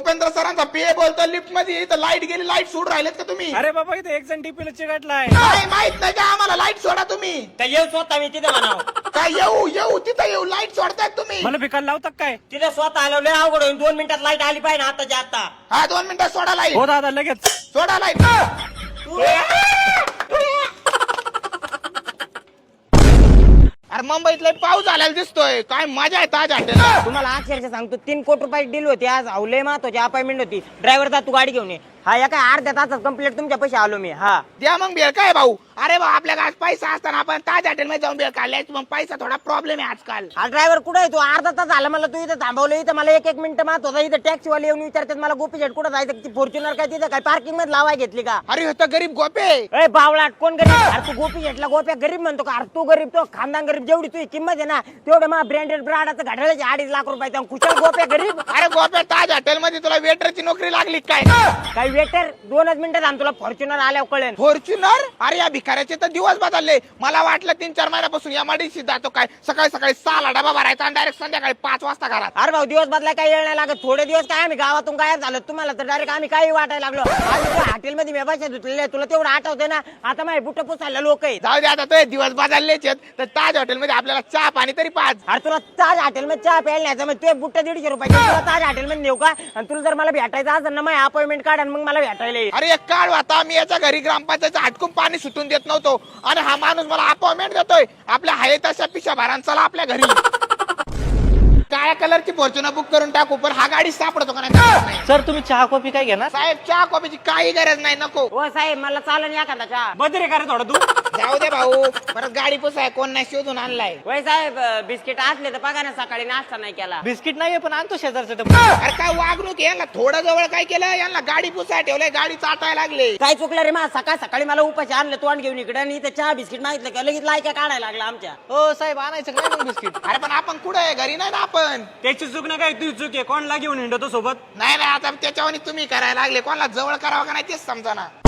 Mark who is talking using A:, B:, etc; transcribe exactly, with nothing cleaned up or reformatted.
A: गोपेंद्र सरांचा पीए बोलतो लिफ्ट मध्ये, इथं लाईट गेली, लाईट सोड राहिलेत का तुम्ही?
B: अरे बाबा इथे एक जण टीपीला चिकटलाय.
A: काय माहित नाही का आम्हाला? लाईट सोडा तुम्ही.
C: काय येऊ स्वतः मी तिथे म्हणाव.
A: काय येऊ येऊ तिथं येऊ, लाईट सोडताय तुम्ही?
B: मला भिकायला लावतात काय?
C: तिथे स्वतः आलो लय अवघड होईल. दोन मिनिटात लाईट आली पाहिजे ना आताच्या आता.
A: हा दोन मिनिटात सोडा लाईट.
B: हो दादा लगेच.
A: सोडा लाईट. अरे मुंबईत लय पाऊस झालेला दिसतोय. काय मजा आहे ताज हॉटेलला.
C: तुम्हाला अक्षरशः सांगतो तीन कोटी रुपयाची डील होती आज. अवलय महत्वाची अपॉइंटमेंट होती. ड्रायव्हर जा तू गाडी घेऊन ये. हा या काय अर्ध्या तासात कंप्लीट तुमच्या पैसे आलो मी. हा
A: द्या मग बेळ. काय भाऊ? अरे भाऊ आपल्या आज पैसा असताना आपण ताज हॉटेल मध्ये जाऊन बेळ काढल्याच. मग पैसा थोडा प्रॉब्लेम आहे आजकाल.
C: हा ड्रायव्हर कुठे आहे? तू अर्धा तास झाला मला तू इथं थांबवलं. इथं मला एक एक मिनिट मात होता. इथं टॅक्सी वाले येऊन विचारतात मला गोपी शेट कुठं जायचं? फॉर्च्युनर काय तिथं काय पार्किंग मध्ये लावाय घेतली का?
A: अरे होतं गरीब गोपे.
C: ए बावळाट कोण गरीब? अरे तू गोपी शेटला गोप्या गरीब म्हणतो का? अरे तू गरीब, तो खानदान गरीब. जेवढी तुझी किंमत आहे ना तेवढं मग ब्रँडेड ब्राडाचं घड्याळाचे अडीच लाख रुपये कुशल गोप्या गरीब.
A: अरे गोप्या ताज हॉटेल मध्ये तुला वेटरची नोकरी लागली काय?
C: काही वेटर दोनच मिनिटात आम तुला फॉर्च्युनर आल्यावर कळेल.
A: फॉर्च्युनर? अरे या भिकाऱ्याचे तर दिवस बदलले. मला वाटलं तीन चार महिन्यापासून या मडीशी जातो काय. सकाळी सकाळी सहाला डबा भरायचा आणि डायरेक्ट संध्याकाळी पाच वाजता घरात.
C: अरे भाऊ दिवस बदलाय काय येळ नाही लागत. थोडे दिवस काय आम्ही गावातून गायब झालो. तुम्हाला तर डायरेक्ट आम्ही काही वाटायला लागलो. हॉटेलमध्ये मी पैसे धुतलेले तुला तेवढं आठवते ना? आता माझे बुट पुसायला लोक आहेत.
A: जाऊ दे आता. तो दिवस बदललेच आहेत तर ताज हॉटेल मध्ये आपल्याला चहा पाणी तरी पाच.
C: अरे तुला ताज हॉटेलमध्ये चहा प्यायला न्यायचं मग ते बुट्ट दीडशे रुपये तुला ताज हॉटेलमध्ये नेऊ का? आणि तुला जर मला भेटायचं असेल ना मग अपॉइंटमेंट काढ आणि मग मला भेटायला ये.
A: अरे एक काळ होता मी याच्या घरी ग्रामपंचायतचं हटकून पाणी सुटून देत नव्हतो आणि हा माणूस मला अपॉइंटमेंट देतोय. आपल्या हाय तशा पिशा भारान चला आपल्या घरी. काळ्या कलरची फॉर्च्युनर बुक करून टाकू पण हा गाडी सापडतो का नाही?
B: सर तुम्ही चहा कॉफी काय घेणार?
A: साहेब चहा कॉफीची काही गरज नाही. नको.
C: हो साहेब मला चालन एखादा चहा.
B: बदरे का रे थोडं तू?
A: जाऊ दे भाऊ. परत गाडी पुसाय कोण नाही शोधून आणलाय.
C: वय साहेब बिस्किट असले तर बघा ना सकाळी नाश्ता नाही केला.
B: बिस्किट नाहीये पण आणतो शेजारचं डब्बा.
A: अरे काय वागणूक आहे? यांना थोडं जवळ काय केलं? यांना गाडी पुसाय ठेवलंय, गाडी चाटायला लागले.
C: काय चुकलं रे मा? सकाळ सकाळी मला उपाशी आणलं तोंड घेऊन इकडे आणि इथं चहा बिस्किट मागितलं का लगेच लायका काढायला लागला आमच्या.
B: हो साहेब आणायचं काय मग बिस्किट?
A: अरे पण आपण कुठे आहे? घरी नाही ना आपण.
B: त्याची चूक ना काय तुझी चूक आहे. कोणला घेऊन हिंडतो सोबत?
A: नाही नाही आता त्याच्यावर तुम्ही करायला लागले. कोणाला जवळ करावं का नाही तेच समजा ना.